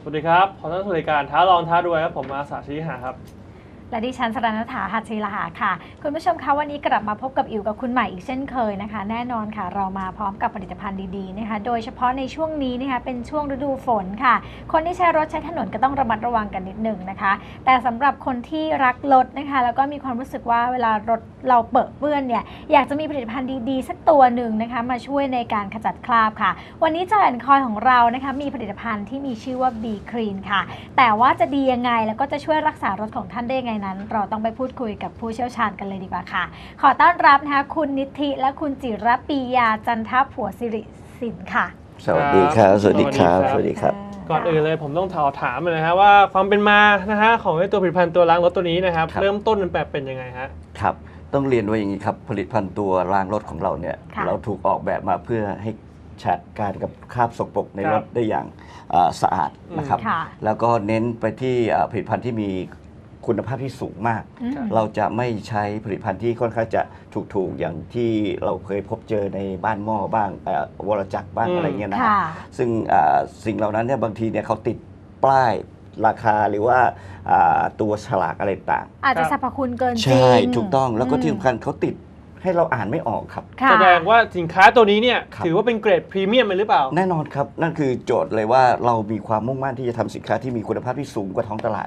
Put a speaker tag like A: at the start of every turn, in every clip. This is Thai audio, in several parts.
A: วัสดีครับขอต้อนรับสู่รายการท้าลองท้ารวยครับผมอาสาชีหาครับ
B: และดิฉันสรณฐาหัตถีลหาค่ะคุณผู้ชมคะวันนี้กลับมาพบกับอิ๋วกับคุณใหม่อีกเช่นเคยนะคะแน่นอนค่ะเรามาพร้อมกับผลิตภัณฑ์ดีๆนะคะโดยเฉพาะในช่วงนี้นะคะเป็นช่วงฤดูฝนค่ะคนที่ใช้รถใช้ถนนก็ต้องระมัดระวังกันนิดหนึ่งนะคะแต่สำหรับคนที่รักรถนะคะแล้วก็มีความรู้สึกว่าเวลารถเราเปื้อนเนี่ยอยากจะมีผลิตภัณฑ์ดีๆสักตัวหนึ่งนะคะมาช่วยในการขจัดคราบค่ะวันนี้Joy & Coyของเรานะคะมีผลิตภัณฑ์ที่มีชื่อว่า B Clean ค่ะแต่ว่าจะดียังไงแล้วก็จะช่วยรักษารถของท่านได้ยังไงนั้นเราต้องไปพูดคุยกับผู้เชี่ยวชาญกันเลยดีกว่าค่ะขอต้อนรับนะคะคุณนิธิและคุณจิรปียาจันทผัวสิริสินค่ะ
C: สวัสดีครับสวัสดีครับสวัสดีครับ
A: ก่อนอื่นเลยผมต้องถามเลยนะฮะว่าความเป็นมานะฮะของตัวผลิตภัณฑ์ตัวล้างรถตัวนี้นะครับเริ่มต้นมันแบบเป็นยังไงฮะ
C: ครับต้องเรียนว่าอย่างนี้ครับผลิตภัณฑ์ตัวล้างรถของเราเนี่ยเราถูกออกแบบมาเพื่อให้จัดการกับคราบสกปรกในรถได้อย่างสะอาดนะครับแล้วก็เน้นไปที่ผลิตภัณฑ์ที่มีคุณภาพที่สูงมากเราจะไม่ใช้ผลิตภัณฑ์ที่ค่อนข้างจะถูกๆอย่างที่เราเคยพบเจอในบ้านหม้อบ้างวรจักรบ้างอะไรเงี้ยนะครับซึ่งสิ่งเหล่านั้นเนี่ยบางทีเนี่ยเขาติดป้ายราคาหรือว่าตัวฉลากอะไรต่าง
B: อาจจะสรรพคุณเกินจริง
C: ใช่ถูกต้องแล้วก็ที่สำคัญเขาติดให้เราอ่านไม่ออกครับ
A: แสดงว่าสินค้าตัวนี้เนี่ยถือว่าเป็นเกรดพรีเมียมหรือเปล่า
C: แน่นอนครับนั่นคือโจทย์เลยว่าเรามีความมุ่งมั่นที่จะทำสินค้าที่มีคุณภาพที่สูงกว่าท้องตลาด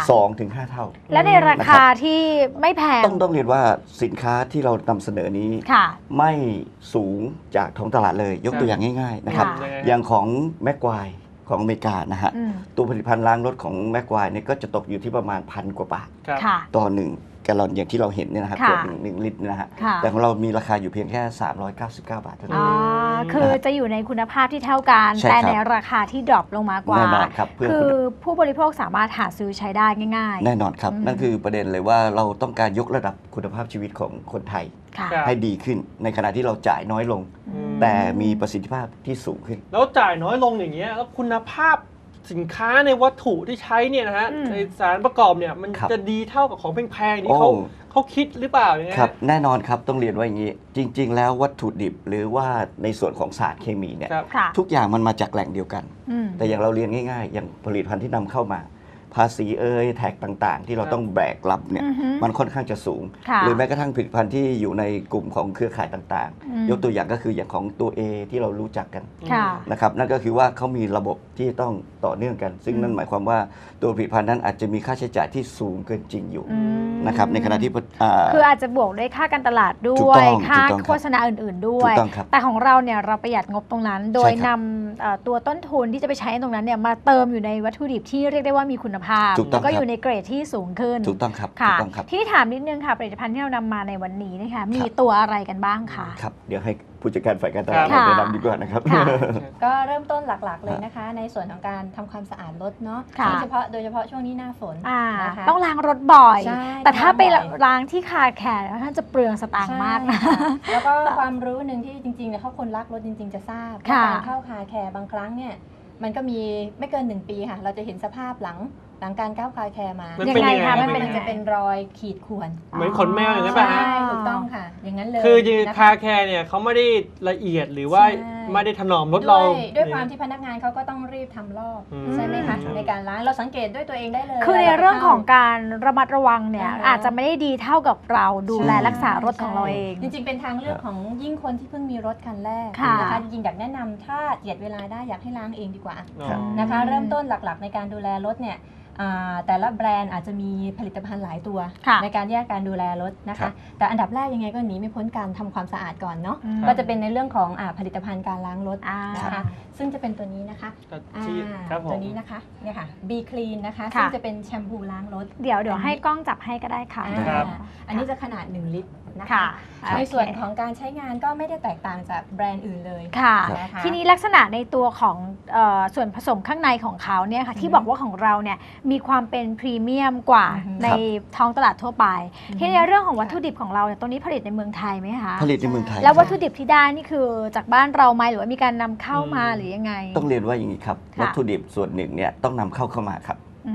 C: 2-5 เท่า
B: และในราคาที่ไม่แพง
C: ต้องเรียนว่าสินค้าที่เรานำเสนอนี้ไม่สูงจากท้องตลาดเลยยกตัวอย่างง่ายๆนะครับอย่างของแม็กไกวร์ของอเมริกานะฮะตัวผลิตภัณฑ์ล้างรถของแม็กไกวร์เนี่ยก็จะตกอยู่ที่ประมาณ1,000 กว่าบาทต่อ1แกลลอนอย่างที่เราเห็นเนี่ยนะครับตัว1 ลิตรนะฮะแต่ของเรามีราคาอยู่เพียงแค่399 บาทเท่านั้น
B: คือจะอยู่ในคุณภาพที่เท่ากันแต่ในราคาที่ดรอปลงมากว่าคือผู้บริโภคสามารถหาซื้อใช้ได้ง่าย
C: ๆแน่นอนครับนั่นคือประเด็นเลยว่าเราต้องการยกระดับคุณภาพชีวิตของคนไทยให้ดีขึ้นในขณะที่เราจ่ายน้อยลงแต่มีประสิทธิภาพที่สูงขึ้น
A: แล้วจ่ายน้อยลงอย่างเงี้ยแล้วคุณภาพสินค้าในวัตถุที่ใช้เนี่ยนะฮะในสารประกอบเนี่ยมันจะดีเท่ากับของแพงๆที่เขาคิดหรือเปล่าอย่างเงี้ย
C: ครับแน่นอนครับต้องเรียนว่าอย่างนี้จริงๆแล้ววัตถุดิบหรือว่าในส่วนของสารเคมีเนี่ยทุกอย่างมันมาจากแหล่งเดียวกันแต่อย่างเราเรียนง่ายๆอย่างผลิตภัณฑ์ที่นำเข้ามาภาษีแท็กต่างๆที่เราต้องแบกรับเนี่ยมันค่อนข้างจะสูงหรือแม้กระทั่งผลิตภัณฑ์ที่อยู่ในกลุ่มของเครือข่ายต่างๆยกตัวอย่างก็คืออย่างของตัว A ที่เรารู้จักกันนะครับนั่นก็คือว่าเขามีระบบที่ต้องต่อเนื่องกัน ซึ่งนั่นหมายความว่าตัวผลิตภัณฑ์นั้นอาจจะมีค่าใช้จ่ายที่สูงเกินจริงอยู่นะครับในขณะที่
B: คืออาจจะบวกด้วยค่าการตลาดด้วยค่าโฆษณาอื่นๆด้วยแต่ของเราเนี่ยเราประหยัดงบตรงนั้นโดยนำตัวต้นทุนที่จะไปใช้ตรงนั้นเนี่ยมาเติมอยู่ในวัตถุดิบที่เรียกได้ว่ามีคุณภาพแล้วก็อยู่ในเกรดที่สูงขึ้น
C: ถูกต้องครับ
B: ค่ะที่ถามนิดนึงค่ะผลิตภัณฑ์ที่เรานำมาในวันนี้นะคะมีตัวอะไรกันบ้างคะ
C: ครับเดี๋ยวให้ผู้จัดการฝ่ายการตลาดแนะนำดีกว่านะครับ
D: ก็เริ่มต้นหลักๆเลยนะคะในส่วนของการทำความสะอาดรถเนาะโดยเฉพาะช่วงนี้หน้าฝนนะคะ
B: ต้องล้างรถบ่อยแต่ถ้าไปล้างที่คาแคร์ท่านจะเปลืองสตางค์มากนะ
D: แล้วก็ความรู้หนึ่งที่จริงๆเนี่ยเขาคนรักรถจริงๆจะทราบการเข้าคาแคร์บางครั้งเนี่ยมันก็มีไม่เกิน1 ปีค่ะเราจะเห็นสภาพหลังการก้าวคาแคร์มา
B: ยังไงคะ
D: มันจะเป็นรอยขีดข่วน
A: เหมือนขนแมวอย่างนั้นป่ะฮะ
D: ใช่ถูกต้องค่ะอย่างนั้นเลย
A: คือคาแคร์เนี่ยเขาไม่ได้ละเอียดหรือว่าไม่ได้ถนอมรถเรา
D: ด้วยความที่พนักงานเขาก็ต้องรีบทำรอบใช่ไหมคะในการล้างเราสังเกตด้วยตัวเองได้เลย
B: คือในเรื่องของการระมัดระวังเนี่ยอาจจะไม่ได้ดีเท่ากับเราดูแลรักษารถของเราเอง
D: จริงๆเป็นทางเลือกของยิ่งคนที่เพิ่งมีรถคันแรกนะคะจริงๆอยากแนะนำถ้าเจียดเวลาได้อยากให้ล้างเองดีกว่านะคะเริ่มต้นหลักๆในการดูแลรถเนี่ยแต่ละแบรนด์อาจจะมีผลิตภัณฑ์หลายตัวในการแยกการดูแลรถนะคะแต่อันดับแรกยังไงก็หนีไม่พ้นการทำความสะอาดก่อนเนาะก็จะเป็นในเรื่องของผลิตภัณฑ์การล้างรถนะคะซึ่งจะเป็นตัวนี้นะคะตัวนี้นะคะเนี่ยค่ะ B Clean นะคะซึ่งจะเป็นแชมพูล้างรถ
B: เดี๋ยวให้กล้องจับให้ก็ได้ค่ะ
D: อันนี้จะขนาด1 ลิตรนะคะในส่วนของการใช้งานก็ไม่ได้แตกต่างจากแบรนด์อื่นเลย
B: ค่ะทีนี้ลักษณะในตัวของส่วนผสมข้างในของเขาเนี่ยค่ะที่บอกว่าของเราเนี่ยมีความเป็นพรีเมียมกว่าในท้องตลาดทั่วไปที่ในเรื่องของวัตถุดิบของเราเนี่ยตรงนี้ผลิตในเมืองไทยไหมคะ
C: ผลิตในเมืองไทย
B: แล้ววัตถุดิบที่ได้นี่คือจากบ้านเราไหมหรือว่ามีการนำเข้ามาหรือยังไง
C: ต้องเรียนว่าอย่างนี้ครับวัตถุดิบส่วนหนึ่งเนี่ยต้องนำเข้ามาครับ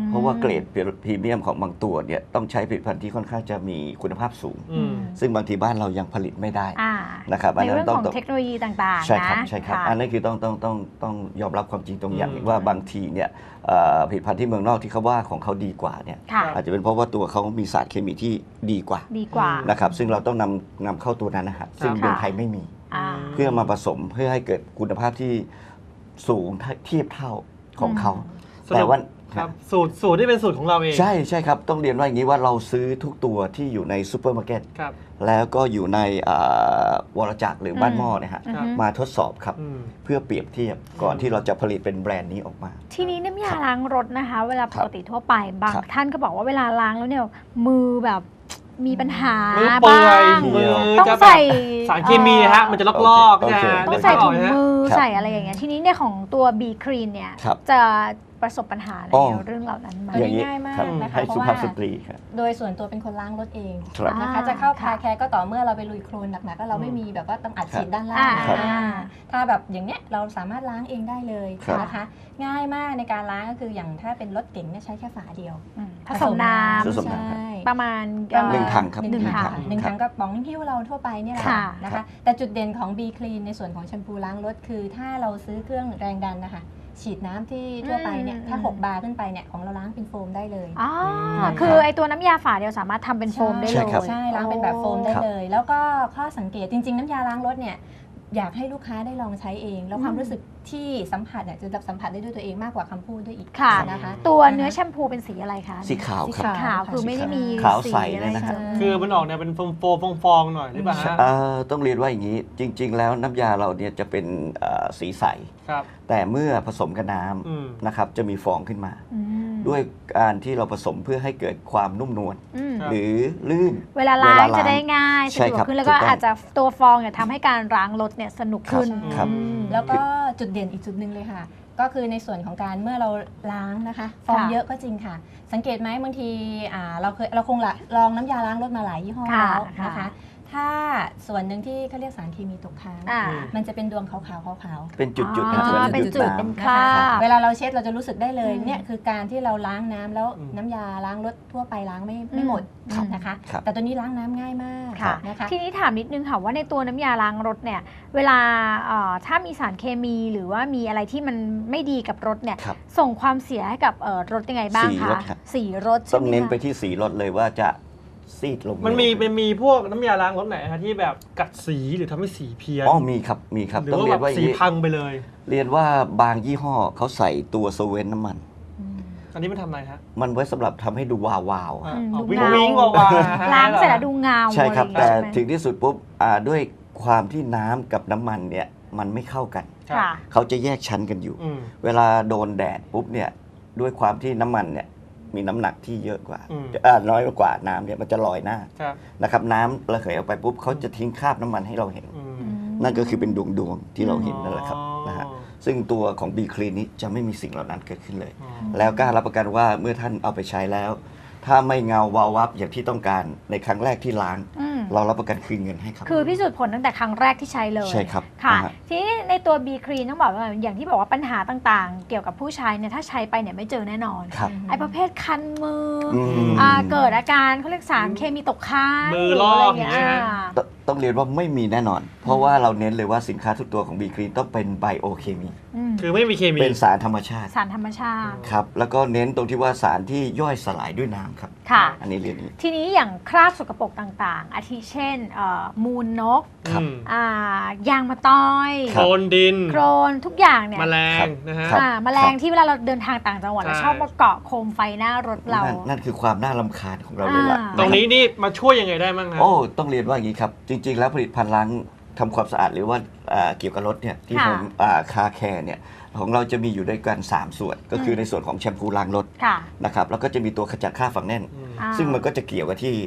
C: เพราะว่าเกรดพรีเมียมของบางตัวเนี่ยต้องใช้ผลิตภัณฑ์ที่ค่อนข้างจะมีคุณภาพสูง ซึ่งบางทีบ้านเรายังผลิตไม่ได้นะครับ
B: ในเรื่องของเทคโนโลยีต่างๆ
C: ใช่ครับใช่ครับอันนี้คือต้องยอมรับความจริงตรงอย่างว่าบางทีเนี่ยผลิตภัณฑ์ที่เมืองนอกที่เขาว่าของเขาดีกว่าเนี่ยอาจจะเป็นเพราะว่าตัวเขามีสารเคมีที่ดีกว่านะครับซึ่งเราต้องนำเข้าตัวนั้นนะฮะซึ่งเมืองไทยไม่มีเพื่อมาผสมเพื่อให้เกิดคุณภาพที่สูงเทียบเท่าของเขาแต่ว่า
A: ครับสูตรที่เป็นสูตรของเราเอง
C: ใช่ครับต้องเรียนว่าอย่างนี้ว่าเราซื้อทุกตัวที่อยู่ในซูเปอร์มาร์เก็ตแล้วก็อยู่ในวรจักรหรือบ้านหม้อเนี่ยฮะมาทดสอบครับเพื่อเปรียบเทียบก่อนที่เราจะผลิตเป็นแบรนด์นี้ออกมา
B: ทีนี้น้ำยาล้างรถนะคะเวลาปกติทั่วไปบางท่านก็บอกว่าเวลาล้างแล้วเนี่ยมือแบบมีปัญหาบ้างต้องใส่
A: สารเคมีฮะมันจะลอกๆนะ
B: ต้องใส่ถุงมือใส่อะไรอย่างเงี้ยทีนี้เนี่ยของตัว B Clean เนี่ยจะประสบปัญหาในเรื่องเหล่านั้นไหม
D: ง่ายมากนะคะเพราะว่าโดยส่วนตัวเป็นคนล้างรถเองนะคะจะเข้าคาแคร์ก็ต่อเมื่อเราไปลุยโคลนหนักๆก็เราไม่มีแบบว่าต้องอัดฉีดด้านล่างถ้าแบบอย่างเนี้ยเราสามารถล้างเองได้เลยนะคะง่ายมากในการล้างก็คืออย่างถ้าเป็นรถเก๋งเนี่ยใช้แค่ฝาเดียว
B: ผสมน้ำ
D: ใช่
B: ประมาณ
C: 1 ถังครับ
D: 1 ถังก็ป๋องที่เราทั่วไปเนี่ยแหละนะคะแต่จุดเด่นของ B Clean ในส่วนของแชมพูล้างรถคือถ้าเราซื้อเครื่องแรงดันนะคะฉีดน้ำที่ทั่วไปเนี่ยถ้า6 บาร์ขึ้นไปเนี่ยของเราล้างเป็นโฟมได้เลย
B: คือไอตัวน้ำยาฝาเดียวสามารถทำเป็นโฟมได้เลย
D: ใช่ล้างเป็นแบบโฟมได้เลยแล้วก็ข้อสังเกตจริงๆน้ำยาล้างรถเนี่ยอยากให้ลูกค้าได้ลองใช้เองแล้วความรู้สึกที่สัมผัสเนี่ยจะสัมผัสได้ด้วยตัวเองมากกว่าคำพูดด้วยอีกนะคะ
B: ตัวเนื้อแชมพูเป็นสีอะไรคะ
C: สีขาวครับ
B: ขาวคือไม่ได้มี
C: ขาวใสเลยนะฮะ
A: คือมันออกเนี่ยเป็นฟองหน่อยหรือเปล่าฮะ
C: ต้องเรียนว่าอย่างนี้จริงๆแล้วน้ำยาเราเนี่ยจะเป็นสีใสแต่เมื่อผสมกับน้ำนะครับจะมีฟองขึ้นมาด้วยการที่เราผสมเพื่อให้เกิดความนุ่มนวลหรือลื่น
B: เวลาล้างจะได้ง่ายสะดวกขึ้นแล้วก็อาจจะตัวฟองเนี่ยทำให้การล้างรถเนี่ยสนุกขึ้น
D: แล้วก็จุดเด่นอีกจุดหนึ่งเลยค่ะก็คือในส่วนของการเมื่อเราล้างนะคะฟองเยอะก็จริงค่ะสังเกตไหมบางทีเราคงลองน้ำยาล้างรถมาหลายยี่ห้อแล้วนะคะถ้าส่วนหนึ่งที่เขาเรียกสารเคมีตกค้างมันจะเป็นดวงขาวๆ
C: เป็นจุดๆ
B: เป็นจุดเป็นคราบ
D: เวลาเราเช็ดเราจะรู้สึกได้เลยเนี่ยคือการที่เราล้างน้ำแล้วน้ำยาล้างรถทั่วไปล้างไม่หมดนะคะแต่ตัวนี้ล้างน้ำง่ายมากนะคะ
B: ทีนี้ถามนิดนึงค่ะว่าในตัวน้ำยาล้างรถเนี่ยเวลาถ้ามีสารเคมีหรือว่ามีอะไรที่มันไม่ดีกับรถเนี่ยส่งความเสียให้กับรถยังไงบ้างคะสีรถ
C: ต้องเน้นไปที่สีรถเลยว่าจะซีดลง
A: มันมีพวกน้ำยาล้างรถไหนคะที่แบบกัดสีหรือทำให้สีเพี้ยน
C: มีครับ
A: หรือว่าแบบสีพังไปเลย
C: เรียนว่าบางยี่ห้อเขาใส่ตัวโซเวนน้ำมัน
A: อันนี้มันทำอะไรฮะ
C: มันไว้สำหรับทำให้ดูวาว
A: วิ่งวาว
B: ล้างเสร็จแล้วดูเงา
C: ใช่ครับแต่ถึงที่สุดปุ๊บด้วยความที่น้ำกับน้ำมันเนี่ยมันไม่เข้ากันเขาจะแยกชั้นกันอยู่เวลาโดนแดดปุ๊บเนี่ยด้วยความที่น้ำมันเนี่ยมีน้ำหนักที่เยอะกว่าน้อยกว่าน้ำเนี่ยมันจะลอยหน้านะครับน้ำระเหยออกไปปุ๊บเขาจะทิ้งคราบน้ำมันให้เราเห็นนั่นก็คือเป็นดวงที่เราเห็นนั่นแหละครับนะฮะซึ่งตัวของ B Clean นี้จะไม่มีสิ่งเหล่านั้นเกิดขึ้นเลยแล้วกล้ารับประกันว่าเมื่อท่านเอาไปใช้แล้วถ้าไม่เงาวาววับอย่างที่ต้องการในครั้งแรกที่ล้างเรารับประกันคืนเงินให้ครับ
B: คือพิสูจน์ผลตั้งแต่ครั้งแรกที่ใช้เลย
C: ใช่ครับ
B: ค่ะทีนี้ในตัว B Clean ต้องบอกว่าอย่างที่บอกว่าปัญหาต่างๆเกี่ยวกับผู้ใช้เนี่ยถ้าใช้ไปเนี่ยไม่เจอแน่นอนไอ้ประเภทคันมือเกิดอาการเขาเรียกสารเคมีตกค้าง
A: มือลอกอย่างเงี้ย
C: ต้องเรียนว่าไม่มีแน่นอนเพราะว่าเราเน้นเลยว่าสินค้าทุกตัวของ B Clean ต้องเป็นไบโอเคมี
A: คือไม่มีเคมี
C: เป็นสารธรรมชาติครับแล้วก็เน้นตรงที่ว่าสารที่ย่อยสลายด้วยน้ำครับอันนี้เรียนนี้
B: ทีนี้อย่างคราบสกปรกต่างๆอาทิเช่นมูลนกยางมะตอย
A: โคลนดิน
B: โคลนทุกอย่างเนี่ย
A: แมลงนะฮะ
B: แมลงที่เวลาเราเดินทางต่างจังหวัดเราชอบมาเกาะโคมไฟหน้ารถเรา
C: นั่นคือความน่ารำคาญของเราเลยล่ะ
A: ตรงนี้นี่มาช่วยยังไงได้บ้างครับ
C: ต้องเรียนว่าอย่างนี้ครับจริงๆแล้วผลิตภัณฑ์ล้างทำความสะอาดหรือว่าเกี่ยวกับรถเนี่ยที่ผมคาแคร์เนี่ยของเราจะมีอยู่ด้วยกัน3ส่วนก็คือในส่วนของแชมพูล้างรถนะครับแล้วก็จะมีตัวขจัดคราบฝังแน่นซึ่งมันก็จะเกี่ยวกับที่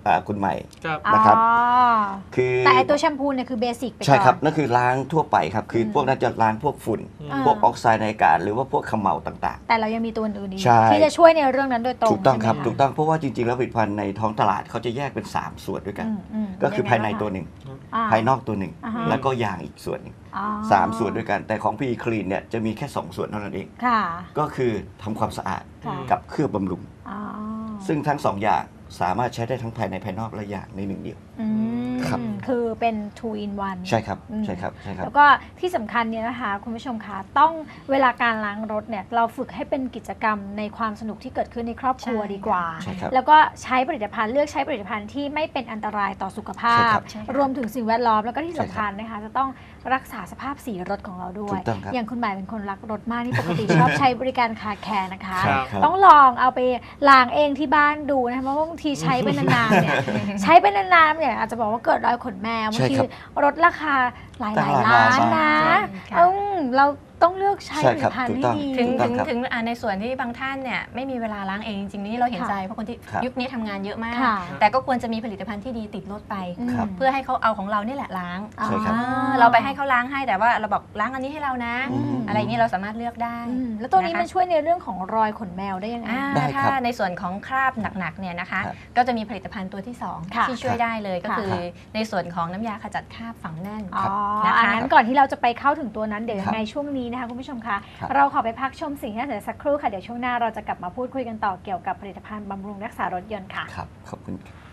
C: คุณใหม่
A: ครับ
C: นะครับ
B: อ๋อ
C: คือ
B: แต่ไอตัวแชมพูเนี่ยคือเบสิกไปก่อน
C: ใช่ครับนั่นคือล้างทั่วไปครับคือพวกนั้นจะล้างพวกฝุ่น พวกออกไซด์ในอากาศหรือว่าพวกเขม่าต่างๆ
B: แต่เรายังมีตัวอื่นอีก
C: ใช่
B: ที่จะช่วยในเรื่องนั้นโดยตรง
C: ถูกต้องครับ
B: ใช่ไหมะ
C: ถูกต้องเพราะว่าจริงๆแล้วผลิตภัณฑ์ในท้องตลาดเขาจะแยกเป็น 3 ส่วนด้วยกัน ก็คือภายในตัวหนึ่ง ภายนอกตัวหนึ่ง
B: อ่าฮะ
C: แล้วก็ยางอีกส่วนหนึ่ง
B: อ๋อ
C: 3 ส่วนด้วยกัน แต่ของพีคลีนเนี่ยจะมีแค่ 2 ส่วนเท่านั้นเอง
B: ค่ะ
C: ก็คือทำความสะอาด
B: ค่ะ
C: กับเคลือบบำรุง
B: อ๋อ
C: ซึ่งทั้ง 2 อย่างสามารถใช้ได้ทั้งภายในภายนอกและอย่างในหนึ่งเดียว
B: อืม
C: ครับ
B: คือเป็น two in one
C: ใช่ครับ
B: อืม
C: ใช่ครับใช่ครับ
B: แล้วก็ที่สำคัญเนี่ยนะคะคุณผู้ชมคะต้องเวลาการล้างรถเนี่ยเราฝึกให้เป็นกิจกรรมในความสนุกที่เกิดขึ้นในครอบครัว
D: ใช่
B: ดีกว่า
C: ใช่ครับ
B: แล้วก็ใช้ผลิตภัณฑ์เลือกใช้ผลิตภัณฑ์ที่ไม่เป็นอันตรายต่อสุขภา
C: ใช่
B: พ
C: ครับ
D: ใช่ค่ะ
B: รวมถึงสิ่งแวดล้อมแล้วก็ที่
C: ใช่
B: สำ
C: ครับ
B: คัญนะคะจะต้องรักษาสภาพสีรถของเราด้ว
C: ถู
B: ย
C: กต้องครับ
B: อย่างคุณหมายเป็นคนรักรถมากนี่ปกติชอบใช้บริการคาแคร์นะคะ
A: ครับ
B: ต้องลองเอาไปล้างเองที่บ้านดูนะคะเพราะว่าบางทีใช้ไปนานๆเนี่ย ใช้ไปนานๆเนี่ยอาจจะบอกว่าเกิดรอยขนแมวบาง
C: ใช่
B: ที
C: ครับ
B: รถราคาหลาย
C: ตั้งหลาย
B: ล้าน
C: ล้าน
B: นะ
D: ค่ะ
B: เราต้องเลือกใช้
C: ใช่
B: ผลิ
C: ครั
B: ต
C: บ
B: ภัณฑ์
C: ถูก
B: ให้
C: ต้อง
B: ดี
D: ถึง
C: ถูกต้องครับ
D: ถึงในส่วนที่บางท่านเนี่ยไม่มีเวลาล้างเองจริงๆนี่เราเห็นใจเพราะคนที่
C: ครับ
D: ยุคนี้ทำงานเยอะมาก
B: ค่ะ
D: แต่ก็ควรจะมีผลิตภัณฑ์ที่ดีติดรถไป
C: ครับ
D: เพื่อให้เขาเอาของเรานี่แหละล้าง
C: ใช่ครับ
D: เราไปให้เขาล้างให้แต่ว่าเราบอกล้างอันนี้ให้เรานะ
C: อืม
D: อะไรอย่างนี้เราสามารถเลือกได้
B: แล้วตัวนี้
D: นะคะ
B: มันช่วยในเรื่องของรอยขนแมวได้ยังไง
C: ได้ครับ
D: ถ้าในส่วนของคราบหนักๆเนี่ยนะคะ
C: ครับ
D: ก็จะมีผลิตภัณฑ์ตัวที่
B: ค่ะ
D: 2 ที่ช่วยได้เลยก็
B: ค่ะ
D: คือในส่วนของน้ำยาขจัดคราบฝังแน่น
B: อ๋อ
D: นะคะ
B: อันนั้นก่อนที่เราจะไปเข้าถึงตัวนั้นเดี๋ยว
C: ครับ
B: ยังไงช่วงนี้นะคะคุณผู้ชมคะ
C: ครับ
B: เราขอไปพักชมสิ่งที่น่าสนใจสักครู่ค่ะเดี๋ยวช่วงหน้าเราจะกลับมาพูดคุยกันต่อเกี่ยวกับผลิตภัณฑ์บำรุงรักษารถยนต์ค่ะ
C: ครับขอบคุณครับ